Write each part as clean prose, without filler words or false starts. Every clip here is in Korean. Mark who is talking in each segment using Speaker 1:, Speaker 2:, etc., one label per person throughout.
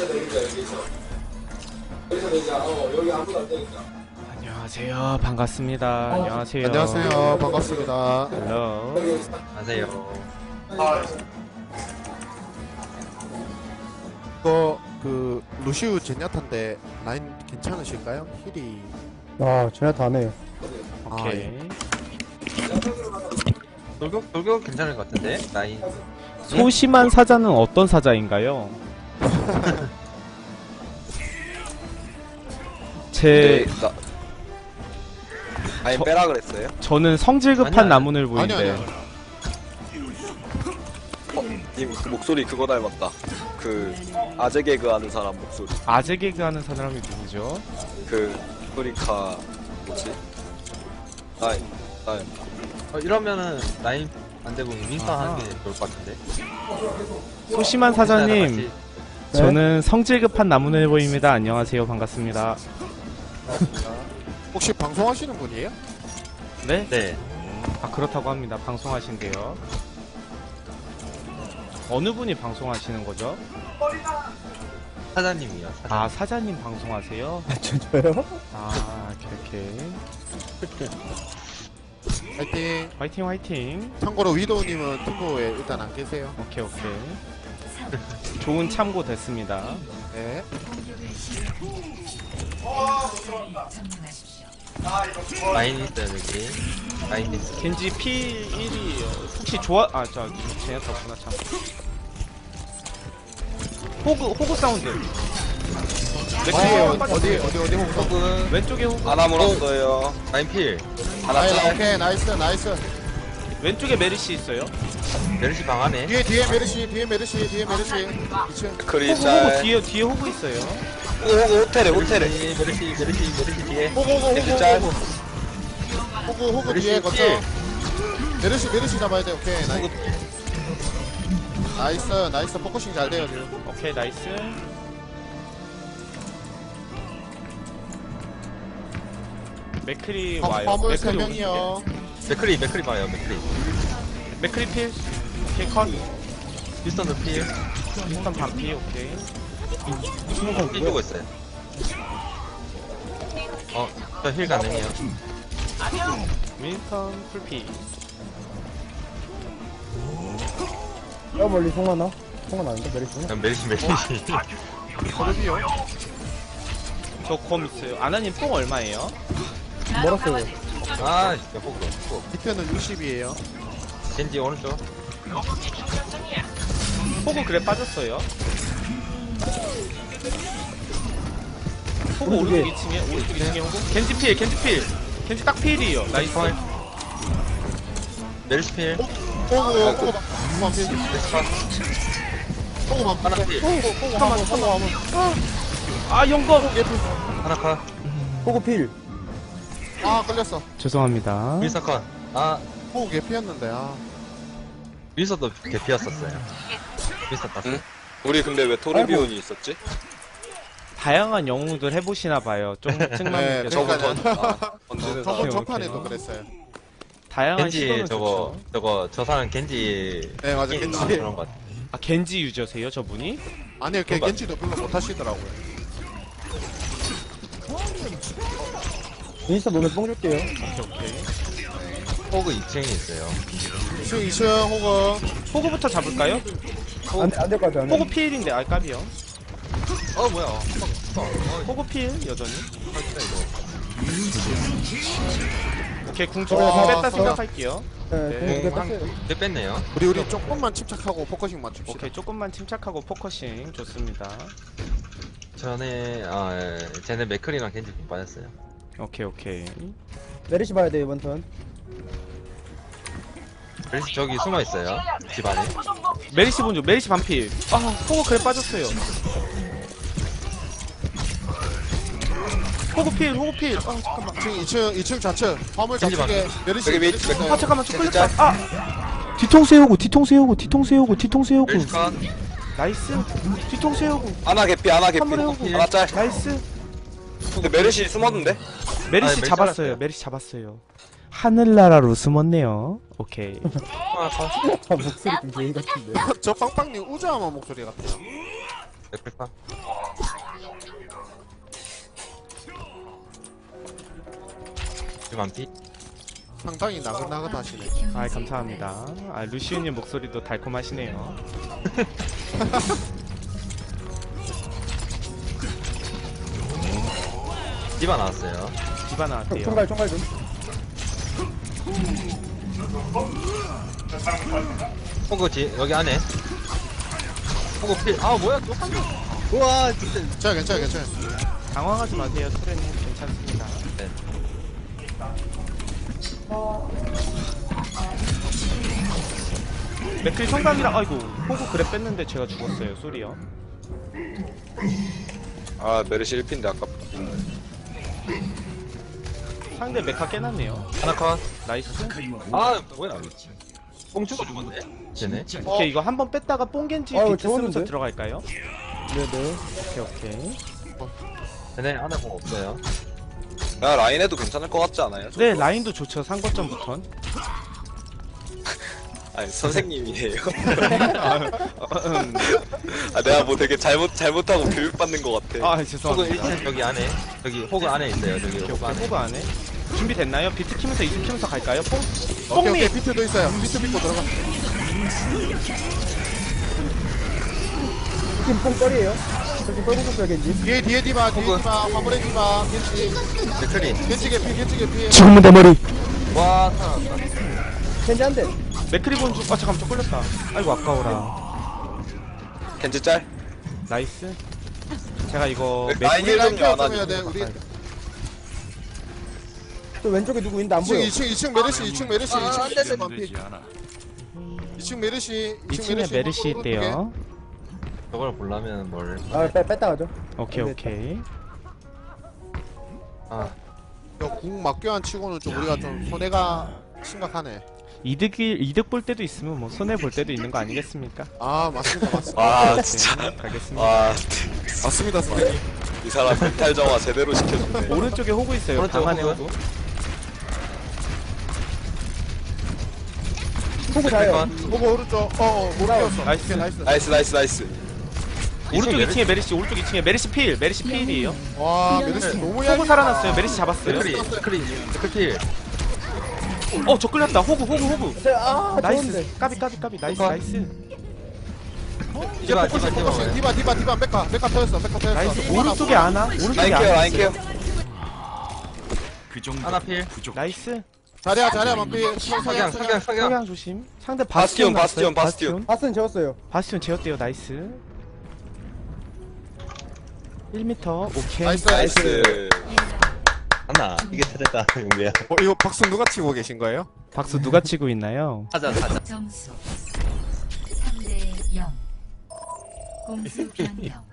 Speaker 1: 안녕하세요. 반갑습니다. 안녕하세요.
Speaker 2: 안녕하세요. 반갑습니다.
Speaker 1: 헬로.
Speaker 3: 안녕하세요.
Speaker 2: 이거 그 루시우 제냐타인데 라인 괜찮으실까요? 힐이
Speaker 4: 제네타 안 해요.
Speaker 1: 오케이.
Speaker 3: 돌격 괜찮을 것 같은데? 라인.
Speaker 1: 소심한 사자는 어떤 사자인가요? 제
Speaker 5: 아니 빼라 그랬어요?
Speaker 1: 저는 성질 급한
Speaker 3: 아니야.
Speaker 1: 나무늘
Speaker 2: 아니
Speaker 1: 보인데.
Speaker 5: 님 그 목소리 그거 닮았다. 그 아재 개그 하는 사람 목소리.
Speaker 1: 아재 개그 하는 사람이 누구죠?
Speaker 5: 그 프리카 뭐지? 나이.
Speaker 3: 이러면은 라인 안 되고 윈스턴
Speaker 1: 아하.
Speaker 3: 하는 게 좋을 것 같은데?
Speaker 1: 소심한 사자님,
Speaker 3: 같이.
Speaker 1: 저는 성질 급한 나무늘 보입니다. 안녕하세요. 반갑습니다.
Speaker 2: 혹시 방송하시는 분이에요?
Speaker 1: 네?
Speaker 3: 네.
Speaker 1: 아, 그렇다고 합니다. 방송하신대요. 어느 분이 방송하시는 거죠?
Speaker 3: 사장님이요. 사장님.
Speaker 1: 아, 사자님 방송하세요?
Speaker 4: 저요?
Speaker 1: 아, 오케이.
Speaker 2: 화이팅.
Speaker 1: 화이팅, 화이팅.
Speaker 2: 참고로 위도우님은 팀보에 일단 안 계세요.
Speaker 1: 오케이. 좋은 참고 됐습니다.
Speaker 2: 네.
Speaker 3: 라인 있어요, 여기. 라인 있어.
Speaker 1: 겐지 P1이 혹시 좋아? 아, 제냐타구나 참. 호그 사운드.
Speaker 2: 어디 호구?
Speaker 3: 혹은
Speaker 1: 왼쪽에 호그.
Speaker 5: 하나 물었어요.
Speaker 3: 라인 필.
Speaker 5: 하나 짤.
Speaker 2: 오케이 나이스.
Speaker 1: 왼쪽에 메리시 있어요.
Speaker 3: 메르시 방 안에.
Speaker 2: 뒤에 메르시 2층.
Speaker 5: 크리
Speaker 1: 호그
Speaker 5: 짤.
Speaker 1: 뒤에 호그 있어요.
Speaker 5: 호텔에.
Speaker 3: 메르시 뒤에.
Speaker 5: 겐지 짤.
Speaker 2: 호구 뒤에
Speaker 3: 메르시
Speaker 2: 거쳐. 메르시 잡아야 돼. 오케이 나이스 포커싱 잘 돼요 지금.
Speaker 1: 오케이, 나이스. 맥크리 와요.
Speaker 2: 화물
Speaker 1: 맥크리
Speaker 2: 3명이요.
Speaker 3: 맥크리 봐요, 맥크리.
Speaker 1: 맥크리 필. 오케이, 컷.
Speaker 3: 윈스턴도 필.
Speaker 1: 일단 반피. 오케이.
Speaker 3: 필 주고 있어요. 저 힐 가능해요.
Speaker 1: 윈스턴 풀피.
Speaker 4: 저 멀리 송하나? 송은 아닌데 메리시구나.
Speaker 3: 그냥 메르시.
Speaker 2: 소르비요.
Speaker 1: 저 검 있어요. 아나님 뽕 얼마예요?
Speaker 4: 멀었어요.
Speaker 3: 아, 진짜 호그.
Speaker 2: 디표는 60이에요.
Speaker 3: 겐지 오른쪽.
Speaker 1: 호그 그래 빠졌어요. 호그 오른쪽 2층에 오른쪽 2층에 호그. 겐지 필. 겐지 딱 필이에요. 나이스.
Speaker 3: 메르시 필.
Speaker 2: 호구
Speaker 3: 하나 필.
Speaker 1: 잠깐만. 아, 영검.
Speaker 3: 하나 컷.
Speaker 4: 호구 필.
Speaker 2: 걸렸어.
Speaker 1: 죄송합니다.
Speaker 3: 윈스턴 컷. 아,
Speaker 2: 호구 개피였는데
Speaker 3: 윈스턴도 개피였었어요. 윈스턴 땄어.
Speaker 5: 응? 우리 근데 왜 토르비온이 있었지?
Speaker 1: 다양한 영웅들 해보시나 봐요. 좀
Speaker 2: 네,
Speaker 1: 측만하게
Speaker 5: 저거
Speaker 2: 그러니까요.
Speaker 5: 던지는
Speaker 2: 저번
Speaker 5: 사람.
Speaker 2: 전판에도 그랬어요.
Speaker 1: 다양한
Speaker 3: 겐지
Speaker 1: 시도는
Speaker 3: 저거
Speaker 1: 좋죠.
Speaker 3: 저 사람 겐지
Speaker 2: 네 맞아
Speaker 3: 게임
Speaker 2: 겐지.
Speaker 3: 그런 것 같아.
Speaker 1: 아, 겐지 유저세요, 저분이?
Speaker 2: 아니요 걔 겐지도 별로 못 하시더라고요.
Speaker 4: 인스타 노래 뽕 줄게요.
Speaker 1: 오케이.
Speaker 3: 호그 2층에 있어요.
Speaker 2: 2층 호구.
Speaker 1: 호그부터 잡을까요?
Speaker 4: 안될 것 같아.
Speaker 1: 호그 필인데, 아, 까비요.
Speaker 3: 뭐야?
Speaker 1: 호그 필, 여전히. 오케이, 궁
Speaker 2: 어,
Speaker 1: 주고 뺐다
Speaker 2: 어.
Speaker 1: 생각할게요.
Speaker 4: 네,
Speaker 1: 네.
Speaker 4: 공두 개 뺐어요.
Speaker 3: 네 뺐네요.
Speaker 2: 우리 조금만 침착하고 포커싱 맞춥시다.
Speaker 1: 오케이, 조금만 침착하고 포커싱. 좋습니다.
Speaker 3: 전에 쟤네 맥클이랑 겐지 좀 빠졌어요.
Speaker 1: 오케이.
Speaker 4: 메리시 봐야 돼 이번 턴.
Speaker 3: 그래서 저기 숨어 있어요. 집 안에.
Speaker 1: 메리시 본조, 메리시 반필. 아, 호그 그래 빠졌어요. 호그 필. 아, 잠깐만.
Speaker 2: 2층 좌측 화물
Speaker 3: 겐지
Speaker 2: 좌측에 메르시
Speaker 5: 여기 밑-
Speaker 2: 메르시
Speaker 1: 아, 잠깐만, 저 끌렸다. 아! 뒤통수 세우고.
Speaker 3: 메르시 컷.
Speaker 1: 나이스. 뒤통수 세우고.
Speaker 5: 하나 개피.
Speaker 1: 한번 해보고.
Speaker 5: 하나 짤.
Speaker 1: 나이스.
Speaker 5: 근데 메르시 숨었는데?
Speaker 1: 메리시
Speaker 3: 메리시
Speaker 1: 잡았어요.
Speaker 3: 잡았어요.
Speaker 1: 메리시 잡았어요. 하늘나라로 숨었네요. 오케이.
Speaker 3: 하나 컷.
Speaker 4: 목소리 좀 개인 같은데.
Speaker 2: 저 빵빵님 우자마 목소리 같아요.
Speaker 3: 맥클 컷. 만피.
Speaker 2: 상당히 나긋나긋하시네.
Speaker 1: 아 감사합니다. 아 루시우님 목소리도 달콤하시네요.
Speaker 3: 디바 나왔어요.
Speaker 1: 디바 나왔대요.
Speaker 4: 총갈 좀.
Speaker 3: 호그 여기 안에. 호그 필. 아 뭐야 또 한. 우와 진짜.
Speaker 2: 괜찮아.
Speaker 1: 당황하지 마세요. 트레님 괜찮습니다.
Speaker 3: 네.
Speaker 1: 맥클 성감이라 아이고 호구 그래 뺐는데 제가 죽었어요. 쏘리요.
Speaker 5: 아 메르시 1핀데 아깝다.
Speaker 1: 상대 메카 깨놨네요.
Speaker 3: 하나 컷.
Speaker 1: 나이스.
Speaker 3: 아 뭐야. 뽕 주고 죽었네. 쟤네.
Speaker 1: 오케이 이거 한번 뺐다가 뽕겐지
Speaker 4: 아유,
Speaker 1: 비트 쓰면서
Speaker 4: 좋은데?
Speaker 1: 들어갈까요?
Speaker 4: 네네.
Speaker 1: 오케이.
Speaker 3: 쟤네 하나 공 없어요.
Speaker 5: 야 라인에도 괜찮을 것 같지 않아요?
Speaker 1: 네 라인도 좋죠. 상거점부턴.
Speaker 5: 아니 선생님이에요. 아 내가 뭐 되게 잘못하고 교육받는 것 같아.
Speaker 1: 아
Speaker 3: 호그
Speaker 1: 죄송합니다.
Speaker 3: 1층 여기 안에. 여기 호그 안에 있어요. 저기
Speaker 1: 오케이,
Speaker 3: 호그 안에.
Speaker 1: 호구 안에 준비됐나요? 비트 키면서 이승 키면서 갈까요?
Speaker 2: 오케이
Speaker 1: 뽕미
Speaker 2: 비트도 있어요. 비트 믿고 들어가.
Speaker 4: 지금 뽕떨이에요. 저기 뻘궁 겐지.
Speaker 2: 뒤에 디바 화물에 디바 겐지
Speaker 3: 맥크리.
Speaker 2: 겐지 개피.
Speaker 1: 죽으면 내 머리.
Speaker 3: 와 살아났다.
Speaker 4: 겐지 한 대.
Speaker 1: 맥크리 본주 아 잠깐만 저 걸렸다. 아이고 아까워라.
Speaker 5: 겐지 짤?
Speaker 1: 나이스. 제가 이거
Speaker 5: 라인
Speaker 2: 우리 라인
Speaker 5: 1점요
Speaker 2: 케어
Speaker 5: 안
Speaker 2: 좀 해야
Speaker 5: 하죠.
Speaker 2: 돼. 우리
Speaker 4: 또 왼쪽에 누구 있는데 안 보여.
Speaker 2: 2층 메르시 2층 메르시 2층 반피. 2층 메르시
Speaker 1: 2층에 메르시 있대요.
Speaker 3: 저걸 보려면 뭘.
Speaker 4: 아, 뺐다 가죠.
Speaker 1: 오케이.
Speaker 3: 아
Speaker 2: 궁 막교환 치고는 좀 우리가 좀 손해가 심각하네.
Speaker 1: 이득 볼 때도 있으면 뭐 손해 볼 때도 있는 거 아니겠습니까?
Speaker 2: 아 맞습니다.
Speaker 5: 아 진짜.
Speaker 1: 가겠습니다.
Speaker 5: 와,
Speaker 2: 맞습니다 선생님.
Speaker 5: 이 사람 멘탈 정화 제대로 시켜줬네.
Speaker 1: 오른쪽에 호구 있어요.
Speaker 3: 오른쪽
Speaker 1: 방 안에
Speaker 3: 호구.
Speaker 1: 호구.
Speaker 4: 호구 자요.
Speaker 2: 보고 오른쪽 못 끼웠어.
Speaker 1: 나이스.
Speaker 5: 나이스.
Speaker 1: 오른쪽
Speaker 3: 메르시.
Speaker 1: 2층에 메르시, 오른쪽 2층에 메르시 필이에요.
Speaker 2: 와 메르시 너무
Speaker 1: 호구
Speaker 2: 얇다.
Speaker 1: 살아났어요. 메르시 잡았어요.
Speaker 3: 맥크리. 맥크리.
Speaker 1: 저 끌렸다. 호구.
Speaker 4: 아, 좋은데.
Speaker 1: 나이스. 까비. 나이스.
Speaker 3: 디바.
Speaker 2: 디바 메카 터졌어.
Speaker 1: 나이스. 오른쪽에 아나.
Speaker 5: 라인 케어.
Speaker 3: 하나 필.
Speaker 1: 나이스.
Speaker 2: 자리야 만피.
Speaker 3: 석양.
Speaker 1: 석양 조심. 상대
Speaker 5: 바스티온.
Speaker 4: 바스는 재웠어요.
Speaker 1: 바스티온 제어대요. 나이스. 1m. 오케이.
Speaker 2: 나이스.
Speaker 3: 하나. 이게 터졌다. 용배야.
Speaker 2: 이거 박수 누가 치고 계신 거예요?
Speaker 1: 박수 누가 치고 있나요?
Speaker 3: 하자.
Speaker 6: 점수 3대 0 공수 변경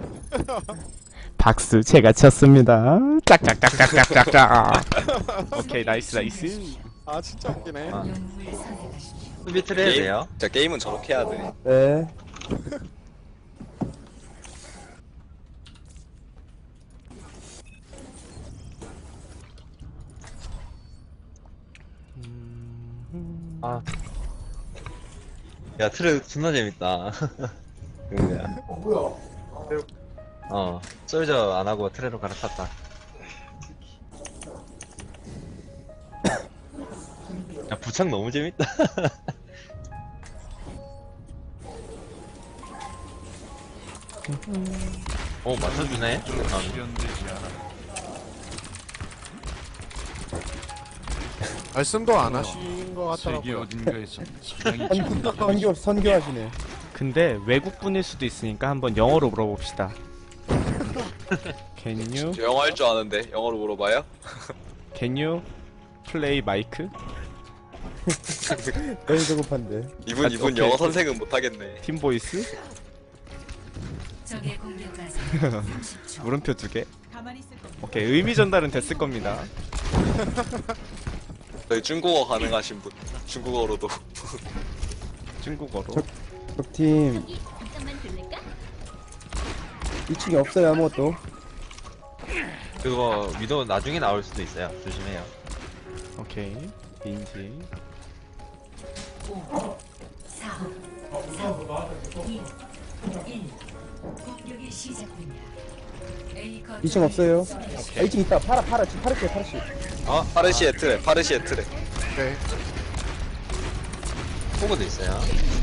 Speaker 1: 박수 제가 쳤습니다. 짝짝짝짝짝짝짝. 오케이 나이스.
Speaker 2: 아 진짜 웃기네.
Speaker 3: 아.
Speaker 6: 영웅을 선택하십시오.
Speaker 3: 수비트를 해야 돼요.
Speaker 5: 진짜 게임은 저렇게 해야 돼.
Speaker 4: 네.
Speaker 3: 아. 야 트레 존나 재밌다. 용배야. 뭐야? 솔저 안 하고 트레로 갈아탔다. 야 부착 너무 재밌다. 맞춰주네.
Speaker 2: 말씀도 안 하신 것 같더라고요.
Speaker 4: 선교하시네.
Speaker 1: 근데 외국 분일 수도 있으니까 한번 영어로 물어봅시다. Can you
Speaker 5: 저 영어 할 줄 아는데 영어로 물어봐요?
Speaker 1: play 마이크?
Speaker 4: 너무 조급한데.
Speaker 5: 이분
Speaker 1: 오케이.
Speaker 5: 영어 선생은 못하겠네.
Speaker 1: 팀 보이스?
Speaker 6: 적의 공격까지 30초
Speaker 1: 물음표 2개. 오케이 의미 전달은 됐을 겁니다.
Speaker 5: 저희 중국어 가능하신 분. 중국어로도.
Speaker 1: 중국어로.
Speaker 4: 적팀 2층에 없어요 아무것도.
Speaker 3: 그거 위도 나중에 나올 수도 있어요. 조심해요.
Speaker 1: 오케이 인지.
Speaker 6: 5 4 3 2 1 공격이 시작됩니다. A 거점
Speaker 4: 2층 없어요. 2층 있다. 팔아. 지금 팔을게, 팔을게.
Speaker 5: 파르시에 트레, 파르시에 트레.
Speaker 2: 오케이.
Speaker 3: 호그도 있어요.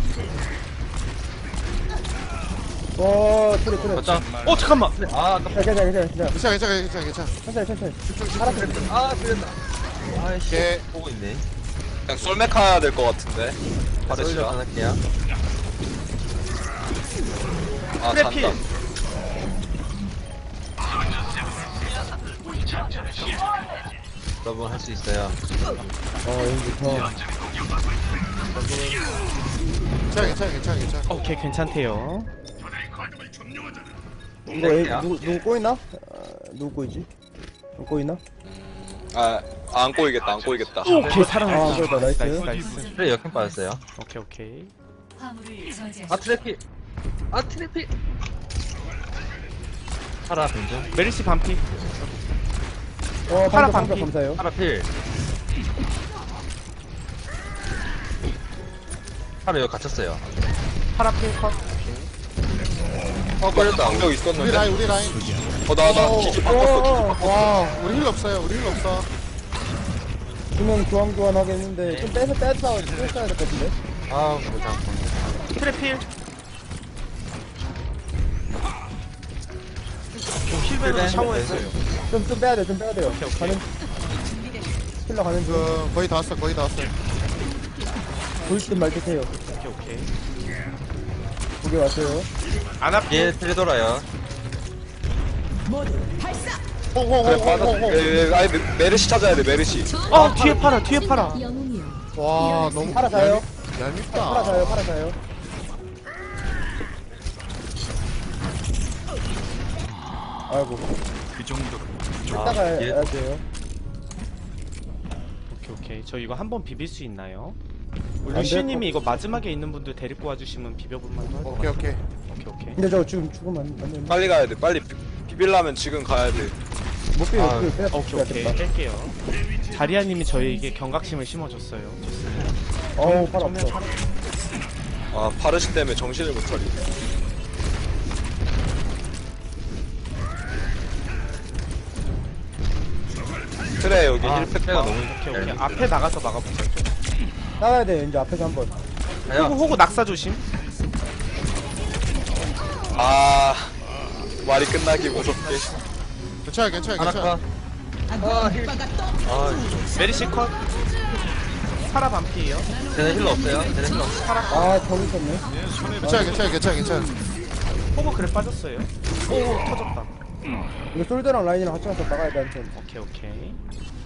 Speaker 4: 트레.
Speaker 3: 거점.
Speaker 1: 어 잠깐만.
Speaker 3: 아, 아깝다.
Speaker 2: 괜찮아.
Speaker 4: 천천히.
Speaker 3: 아, 틀렸다. 아이씨.
Speaker 2: 오케이.
Speaker 3: 보고 있네.
Speaker 5: 그냥 솔맥 해야 될 것 같은데.
Speaker 3: 솔저
Speaker 5: 파르시가.
Speaker 3: 할게요.
Speaker 5: 아,
Speaker 1: 트래필.
Speaker 5: 잔다.
Speaker 3: 여러분 할 수 있어요.
Speaker 4: 여기부터.
Speaker 2: 괜찮아.
Speaker 1: 오케이 괜찮대요.
Speaker 4: 이거 A, 누구 꼬이나? 누구 꼬이지? 누구 꼬이나?
Speaker 5: 안 꼬이겠다.
Speaker 1: 오케이 살아났다.
Speaker 4: 안 꼬였다. 나이스.
Speaker 1: 나이스.
Speaker 3: 그래 역행 빠졌어요.
Speaker 1: 오케이.
Speaker 6: 화물을 저지하십시오.
Speaker 3: 아 트래피. 아 트래피. 파라 벤좀.
Speaker 1: 메리시 반피.
Speaker 4: 파라
Speaker 1: 반피.
Speaker 4: 방금 감사해요.
Speaker 3: 파라 필. 파라 여기 갇혔어요.
Speaker 1: 파라필 컷.
Speaker 5: 걸렸다. 방벽
Speaker 2: 우리
Speaker 5: 있었는데.
Speaker 2: 라인.
Speaker 5: 나 기지 바꿨어.
Speaker 2: 와, 우리 힐 없어요.
Speaker 4: 두명 교환 하겠는데 좀 빼서 싸워야 될 것 같은데.
Speaker 3: 아 보자.
Speaker 1: 트래필. 힐벤으로 샤워했어요.
Speaker 4: 좀 빼야 돼요.
Speaker 1: 오케이.
Speaker 4: 가는 킬러 가는 중.
Speaker 2: 거의 다 왔어.
Speaker 4: 보일 말 듯해요.
Speaker 1: 오케이.
Speaker 4: 두개 왔어요.
Speaker 1: 안 아프.
Speaker 3: 얘 트레 돌아요.
Speaker 5: 그래, 받아. 아니, 메르시 찾아야 돼, 메르시.
Speaker 1: 뒤에 팔아.
Speaker 2: 와, 너무
Speaker 4: 파라 자요.
Speaker 2: 얄밉다.
Speaker 4: 파라 자요. 아이고. 이따가
Speaker 3: 예.
Speaker 4: 해야 돼요.
Speaker 1: 오케이. 저 이거 한번 비빌 수 있나요?
Speaker 4: 안
Speaker 1: 루시님이 이거 마지막에 있는 분들 데리고 와주시면 비벼볼만도 할것 같아요.
Speaker 2: 오케이.
Speaker 1: 오케이.
Speaker 4: 근데 저 지금 죽으면 안 돼.
Speaker 5: 빨리 가야 돼. 빨리 비빌라면 지금 가야 돼.
Speaker 4: 못 빼요.
Speaker 3: 아,
Speaker 1: 오케이. 뺄게요. 자리아님이 저희에게 경각심을 심어줬어요. 좋습니다.
Speaker 4: 어우, 파라
Speaker 1: 정면
Speaker 4: 없어.
Speaker 5: 아, 파르시 때문에 정신을 못 차리. 트레 여기
Speaker 3: 아,
Speaker 5: 힐팩
Speaker 3: 트레가
Speaker 5: 봐.
Speaker 3: 너무
Speaker 1: 오케이. 앞에 나가서 막아보자.
Speaker 4: 나가야 돼. 이제 앞에서 한번.
Speaker 3: 가요.
Speaker 1: 호구 낙사 조심.
Speaker 5: 아, 말이 끝나기 무섭게.
Speaker 2: 괜찮아.
Speaker 3: 하나카. 아 힐. 아
Speaker 1: 메리시 컷. 파라 반피에요.
Speaker 3: 쟤네 힐러 없어요. 쟤네 힐러 없어.
Speaker 4: 저기 있었네.
Speaker 2: 괜찮아.
Speaker 1: 호구 그래 빠졌어요. 오 터졌다.
Speaker 4: 이거 솔드랑 라인이랑 같이 가서 나가야 돼, 한참.
Speaker 1: 오케이.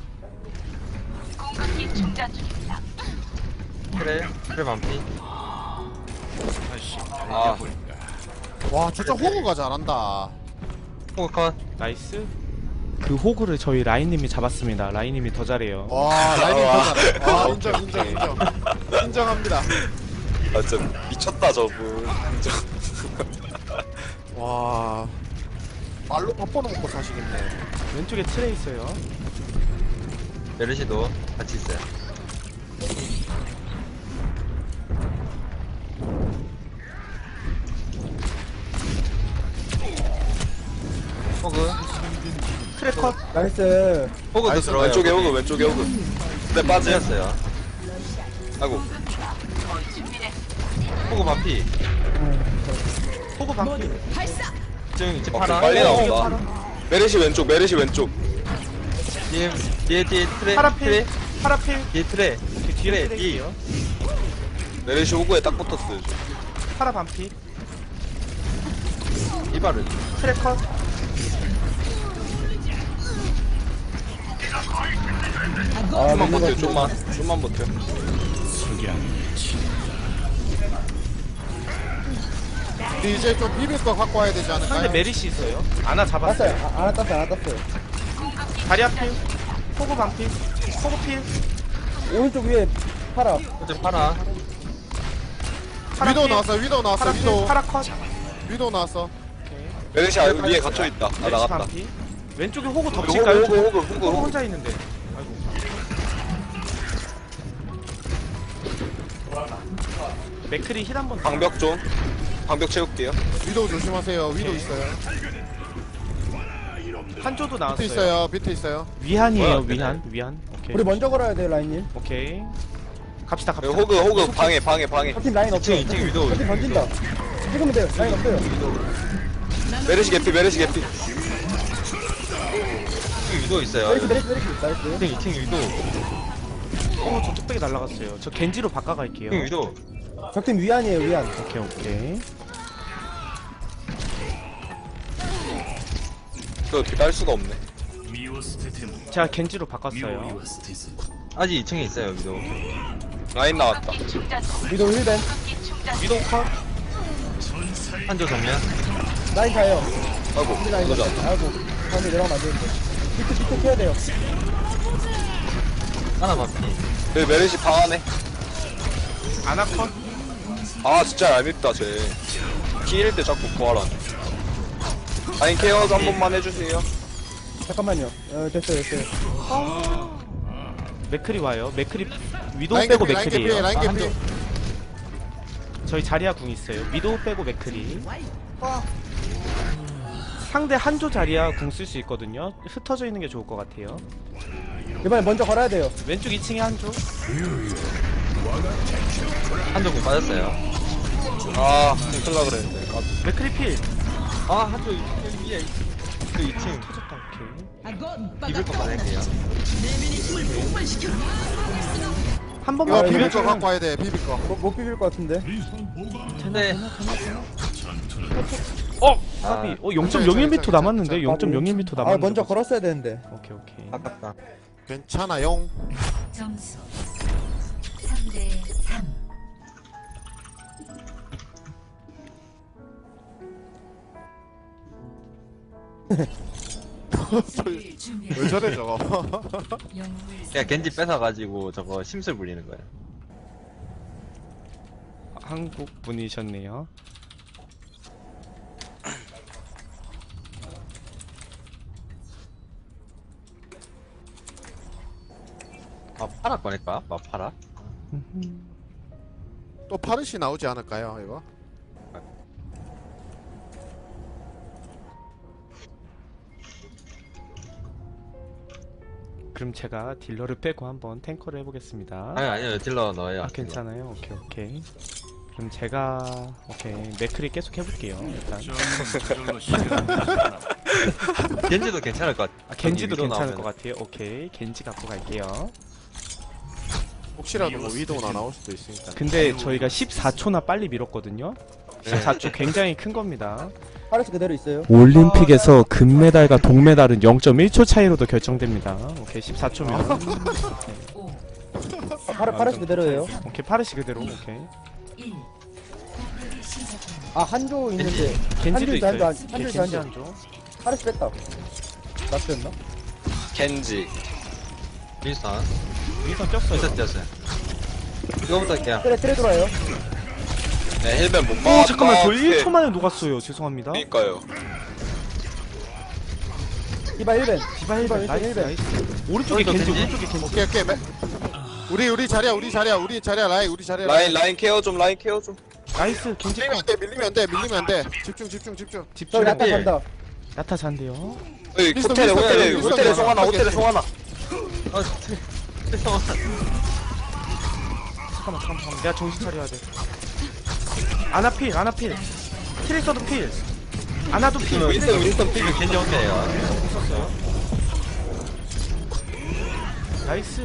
Speaker 3: 트레 반피.
Speaker 5: 아,
Speaker 2: 와, 진짜 호구가 잘한다.
Speaker 3: 호그 컷.
Speaker 1: 나이스. 그 호구를 저희 라인님이 잡았습니다. 라인님이 더 잘해요.
Speaker 2: 와, 라인이 더 잘해. 와, 인정합니다.
Speaker 5: 아, 진짜 미쳤다, 저분. 진짜.
Speaker 2: 와, 말로 밥버는 먹고 사시겠네.
Speaker 1: 왼쪽에 트레 있어요.
Speaker 3: 메르시도 같이 있어요. 호그.
Speaker 1: 트레 컷.
Speaker 4: 나이스.
Speaker 3: 호그도 들어가요.
Speaker 5: 왼쪽에 오고. 네, 빠져요.
Speaker 3: 빠졌어요.
Speaker 5: 아이고.
Speaker 3: 호그 반피.
Speaker 1: 호구 반피.
Speaker 3: 지금 이제
Speaker 5: 어,
Speaker 3: 파라.
Speaker 5: 빨리 나온다. 메르시 왼쪽.
Speaker 3: 뒤에 트레.
Speaker 1: 파라필. 파라필.
Speaker 3: 뒤에 트레.
Speaker 1: 이렇게 뒤에 트레이요.
Speaker 5: 메르시 호구에 딱 붙었어요.
Speaker 1: 파라 반피.
Speaker 3: 이발을.
Speaker 1: 트레 컷.
Speaker 5: 좀만
Speaker 4: 밀린 것
Speaker 5: 버텨,
Speaker 4: 같은데.
Speaker 5: 좀만 버텨.
Speaker 2: 이제 좀 비빌 거 갖고 와야 되지 않을까요?
Speaker 1: 상대 메리시 있어요. 아나 잡았어요.
Speaker 4: 땄어요. 안 땄어요.
Speaker 1: 다리아 필. 호구 반피. 호구 필.
Speaker 4: 오른쪽 위에 파라.
Speaker 3: 호그 파라.
Speaker 1: 파라
Speaker 2: 위도우
Speaker 1: 필.
Speaker 2: 나왔어.
Speaker 1: 파라 필.
Speaker 2: 위도우.
Speaker 1: 파라 컷.
Speaker 2: 위도우 나왔어.
Speaker 5: 메르시 위에 갇혀있다. 아,
Speaker 1: 메리시
Speaker 5: 나갔다.
Speaker 1: 반피. 왼쪽에 호구 덮칠까요?
Speaker 5: 호구.
Speaker 1: 호구 혼자 있는데. 아이고. 맥크리 힐 한번.
Speaker 5: 방벽 채울게요.
Speaker 2: 위도우 조심하세요. 위도우 있어요.
Speaker 1: 한조도
Speaker 2: 비트
Speaker 1: 나왔어요.
Speaker 2: 있어요. 비트 있어요.
Speaker 1: 위한이에요.
Speaker 3: 뭐야,
Speaker 1: 위한. 오케이.
Speaker 4: 우리 먼저 걸어야 돼요 라인님.
Speaker 1: 오케이. 갑시다.
Speaker 5: 호그 방해.
Speaker 4: 저팀 라인 없어요.
Speaker 3: 2층 위도.
Speaker 4: 저팀 던진다. 찍으면 돼요. 라인 없어요.
Speaker 5: 메르시 개피.
Speaker 3: 2층 위도 있어요.
Speaker 4: 나이스.
Speaker 3: 2층 위도.
Speaker 1: 저 뚝배기 날라갔어요. 저 겐지로 바꿔갈게요.
Speaker 3: 2층 위도.
Speaker 4: 적팀 위안이에요 위안.
Speaker 1: 오케이.
Speaker 5: 그 어떻게 딸 수가 없네.
Speaker 1: 제가 겐지로 바꿨어요.
Speaker 3: 아직 2층에 있어요 위도.
Speaker 5: 라인 나왔다.
Speaker 4: 위도 1벤.
Speaker 1: 위도우 컷.
Speaker 3: 한조 정면.
Speaker 4: 라인 가요.
Speaker 5: 아이고
Speaker 4: 우리 라인
Speaker 5: 그거죠.
Speaker 4: 가요. 아이고. 가운데 내려가면 안 되는데. 비트 켜야 돼요.
Speaker 3: 하나 맞피.
Speaker 5: 그 메르시 방 안에.
Speaker 1: 아나 컷.
Speaker 5: 아 진짜 얄밉다 쟤. 피일 때 자꾸 구하라네. 라인 케어 한 번만 해주세요.
Speaker 4: 잠깐만요. 됐어요.
Speaker 1: 맥크리 와요. 맥크리 위도우
Speaker 2: 라인
Speaker 1: 빼고
Speaker 2: 개피, 라인 개피,
Speaker 1: 맥크리에요.
Speaker 2: 라인 개피.
Speaker 1: 저희 자리야 궁 있어요. 위도우 빼고 맥크리. 상대 한조 자리야 궁 쓸 수 있거든요. 흩어져 있는 게 좋을 것 같아요.
Speaker 4: 이번에 먼저 걸어야 돼요.
Speaker 1: 왼쪽 2층에 한조.
Speaker 3: 한조 공 빠졌어요.
Speaker 5: 아 큰일라 그랬는데. 아,
Speaker 1: 맥크리 필.
Speaker 3: 아 한조 위에. 그 2층.
Speaker 1: 터졌다. 오케이.
Speaker 3: 비빌 거 받을게요.
Speaker 1: 한
Speaker 2: 이거
Speaker 1: 번만
Speaker 2: 비빌 거
Speaker 1: 비벼주면
Speaker 2: 갖고 와야 돼. 비빌 거.
Speaker 4: 못 비빌 것 같은데.
Speaker 3: 근데
Speaker 1: 까비. 0.01m 남았는데. 0.01m 남았는데.
Speaker 4: 먼저 걸었어야 되는데.
Speaker 1: 오케이.
Speaker 3: 아깝다.
Speaker 2: 괜찮아요.
Speaker 6: 점수 3대 3.
Speaker 2: 왜 저래 저거?
Speaker 3: 그냥 겐지 뺏어가지고 저거 심술 부리는 거예요.
Speaker 1: 한국 분이셨네요.
Speaker 3: 파라 꺼낼까? 파라?
Speaker 2: 또 파르시 나오지 않을까요 이거?
Speaker 1: 그럼 제가 딜러를 빼고 한번 탱커를 해보겠습니다.
Speaker 3: 아니요 딜러 넣어요.
Speaker 1: 괜찮아요. 오케이. 그럼 제가 맥크리 계속 해볼게요. 일단
Speaker 3: 겐지도 괜찮을 것 같아.
Speaker 1: 겐지도
Speaker 3: 위도
Speaker 1: 괜찮을
Speaker 3: 나오면.
Speaker 1: 것 같아요. 오케이, 겐지 갖고 갈게요.
Speaker 2: 혹시라도 뭐 위도우나 나올 수도 있으니까.
Speaker 1: 근데 저희가 14초나 빨리 밀었거든요. 14초 굉장히 큰 겁니다.
Speaker 4: 파르스 그대로 있어요.
Speaker 1: 올림픽에서 금메달과 동메달은 0.1초 차이로도 결정됩니다. 오케이, 14초면.
Speaker 4: 파르스 그대로예요.
Speaker 1: 오케이, 파르시 그대로. 오케이.
Speaker 6: 1. 공격이 시작됩니다.
Speaker 4: 한조 있는데.
Speaker 1: 겐지도 있어요.
Speaker 4: 한조
Speaker 1: 겐지 한조.
Speaker 4: 파르스 뺐다. 낫였나?
Speaker 5: 겐지.
Speaker 3: 윈스턴.
Speaker 1: 위선 쪘어요.
Speaker 3: 윈스턴 뛰었어요. 이거부터 할게요.
Speaker 4: 트레 들어와요.
Speaker 5: 네 헬멧 못
Speaker 1: 오,
Speaker 5: 막았다.
Speaker 1: 잠깐만, 저
Speaker 5: 네.
Speaker 1: 1초 만에 녹았어요. 죄송합니다.
Speaker 5: 그니까요.
Speaker 4: 디바 1벤.
Speaker 1: 디바 1번, 나이스, 나이스. 오른쪽에
Speaker 3: 오른쪽
Speaker 1: 겐지,
Speaker 3: 겐지?
Speaker 1: 오른쪽에 겐지.
Speaker 2: 오케이. 우리 자리야 우리 자리야
Speaker 5: 라인 케어 좀.
Speaker 1: 나이스, 겐지 거.
Speaker 2: 밀리면 안 돼. 집중.
Speaker 4: 저기
Speaker 1: 집중.
Speaker 4: 나타
Speaker 3: 네.
Speaker 4: 간다.
Speaker 1: 야타 잔대요.
Speaker 5: 여기
Speaker 2: 윈스턴,
Speaker 5: 호텔에
Speaker 2: 윈스턴.
Speaker 5: 호텔에 송하나.
Speaker 1: 잠깐만. 내가 정신 차려야 돼. 아나필. 트레이서도 필. 아나도 필.
Speaker 3: 윈스턴 피면 겐지 혼자예요.
Speaker 1: 나이스.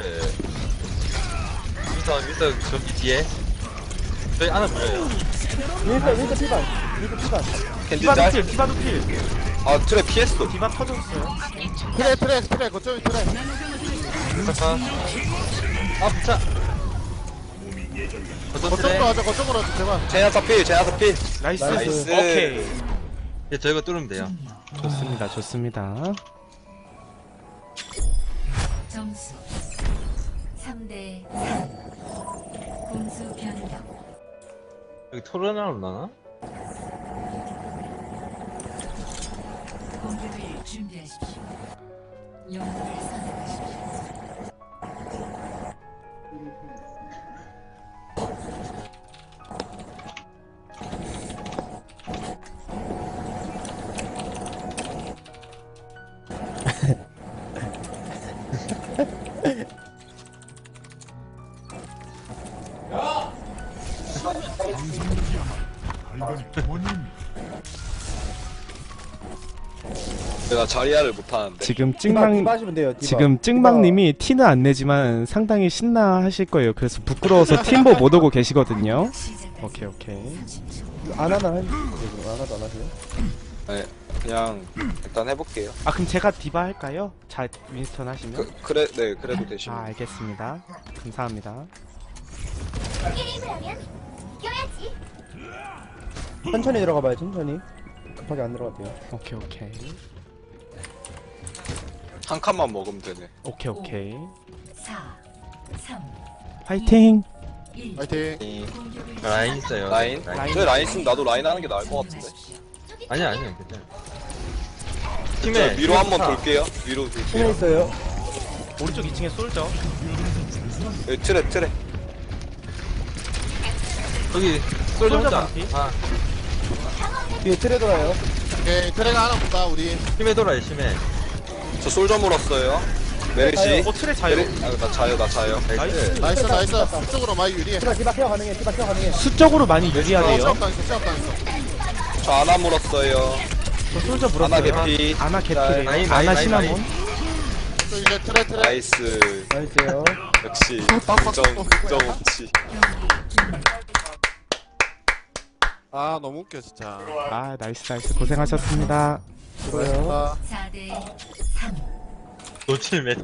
Speaker 3: 윈스턴 저기 뒤에. 저희 하나 보여요.
Speaker 4: 윈서 피반.
Speaker 5: 겐지
Speaker 1: 디바도
Speaker 5: 짤.
Speaker 1: 필. 디바도 필.
Speaker 5: 아 트랩 피했어.
Speaker 1: 디바 터졌어요.
Speaker 2: 트랙 거점이 트랙.
Speaker 3: 잠깐. 아 붙자.
Speaker 2: 거점으로 하자 거점으로 하자 제발.
Speaker 5: 제냐타 필.
Speaker 1: 나이스.
Speaker 5: 나이스.
Speaker 1: 오케이.
Speaker 3: 이제 저희가 뚫으면 돼요.
Speaker 1: 좋습니다.
Speaker 6: 점수 3대 3. 공수 변경.
Speaker 3: 여기 토론하러 나나?
Speaker 6: 공격을 준비하십시오. 영웅을 선택하십시오.
Speaker 5: 내가 자리야를 못하는데.
Speaker 1: 지금
Speaker 4: 디바
Speaker 1: 찍망
Speaker 4: 하시면 돼요. 디바.
Speaker 1: 지금 찍망님이 티는 안 내지만 상당히 신나 하실 거예요. 그래서 부끄러워서 팀보 못 오고 계시거든요. 오케이 오케이.
Speaker 4: 디바. 안 하나 안 하세요?
Speaker 5: 네, 그냥 일단 해볼게요.
Speaker 1: 아 그럼 제가 디바 할까요? 자 윈스턴 하시면.
Speaker 5: 그래, 네, 그래도 되시면.
Speaker 1: 아 알겠습니다. 감사합니다.
Speaker 4: 천천히 들어가봐요. 천천히. 급하게 안 들어가도 돼요.
Speaker 1: 오케이 오케이.
Speaker 5: 한 칸만 먹으면 되네.
Speaker 1: 오케이 오케이.
Speaker 6: 4, 3,
Speaker 1: 화이팅.
Speaker 6: 1.
Speaker 2: 파이팅.
Speaker 5: 이
Speaker 3: 라인 있어요.
Speaker 5: 라인? 저 라인 있으면 나도 라인 하는 게 나을 것 같은데.
Speaker 3: 아니야, 아니야, 괜찮아.
Speaker 5: 저
Speaker 3: 팀에
Speaker 5: 위로 한번 돌게요. 위로
Speaker 4: 힘에
Speaker 5: 돌게요.
Speaker 4: 있어요.
Speaker 1: 오른쪽 2층에 쏠죠.
Speaker 5: 여기 트레.
Speaker 3: 여기 솔저 혼자.
Speaker 1: 반피.
Speaker 3: 아,
Speaker 4: 뒤에 트레 돌아요.
Speaker 2: 오케이, 트레가 하나 본다, 우리.
Speaker 3: 심해 돌아요, 심해.
Speaker 5: 저 솔저 물었어요. 메르시.
Speaker 1: 오 트레 자요.
Speaker 5: 나 자요.
Speaker 3: 나이스.
Speaker 2: 나이스. 그쪽으로 많이 유리해.
Speaker 4: 디바 케어 가능해. 디바 케어 가능해.
Speaker 1: 수적으로 많이 유리하대요.
Speaker 2: 시합당했어.
Speaker 5: 저 아나 물었어요.
Speaker 1: 저 솔저
Speaker 5: 아나
Speaker 1: 물었어요.
Speaker 5: 개피.
Speaker 1: 아나 개피래요.
Speaker 3: 라인,
Speaker 1: 아나
Speaker 3: 라인,
Speaker 1: 시나몬.
Speaker 3: 라인.
Speaker 2: 저 이제 트레.
Speaker 5: 나이스.
Speaker 4: 나이스요.
Speaker 5: 역시 긍정 없지.
Speaker 2: 아, 너무 웃겨, 진짜.
Speaker 1: 아 나이스 고생하셨습니다.
Speaker 4: 들어요.
Speaker 6: 4대 3.
Speaker 3: 노칠맨.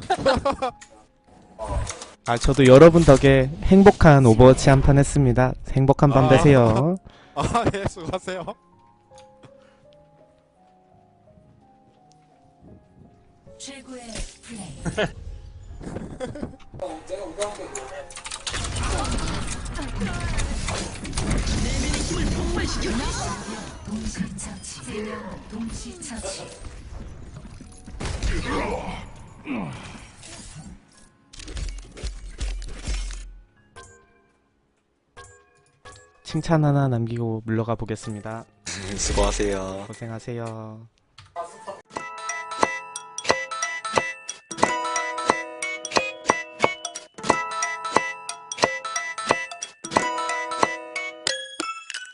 Speaker 1: 아 저도 여러분 덕에 행복한 오버워치 한 판 했습니다. 행복한 밤 되세요.
Speaker 2: 아, 예, 수고하세요.
Speaker 6: 최고의 플레이. 동시 처치. 3명 동시 처치.
Speaker 1: 칭찬 하나 남기고 물러가 보겠습니다.
Speaker 5: 수고하세요.
Speaker 1: 고생하세요.